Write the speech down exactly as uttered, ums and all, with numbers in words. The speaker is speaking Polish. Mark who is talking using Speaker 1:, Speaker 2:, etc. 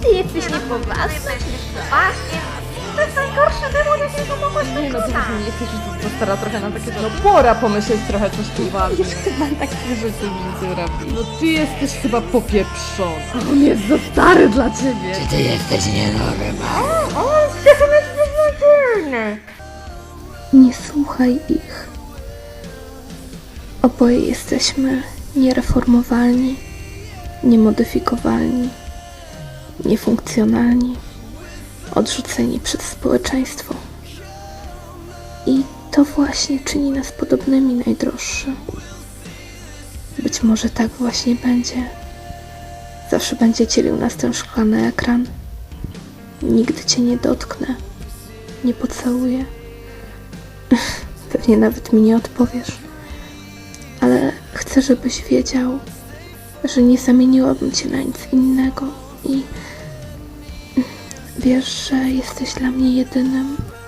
Speaker 1: Ty jesteś niepoważny, czy poważnie? To jest najgorszy demon, jakiego mogłeś
Speaker 2: Nie no, ty
Speaker 1: wykonać.
Speaker 2: nie jesteś już za stara trochę na takie rzeczy. No pora pomyśleć trochę coś poważnie.
Speaker 1: Już chyba takich rzeczy w życiu robi.
Speaker 2: No ty jesteś chyba popieprzona.
Speaker 1: On jest za stary dla ciebie.
Speaker 3: Ty jesteś nienormalny.
Speaker 1: On jest beznadziejny.
Speaker 4: Nie słuchaj ich. Oboje jesteśmy niereformowalni, niemodyfikowalni, niefunkcjonalni, odrzuceni przez społeczeństwo. I to właśnie czyni nas podobnymi, najdroższy. Być może tak właśnie będzie. Zawsze będzie dzielił nas ten szklany ekran. Nigdy cię nie dotknę, nie pocałuję. Pewnie nawet mi nie odpowiesz. Ale chcę, żebyś wiedział, że nie zamieniłabym cię na nic innego i wiesz, że jesteś dla mnie jedynym,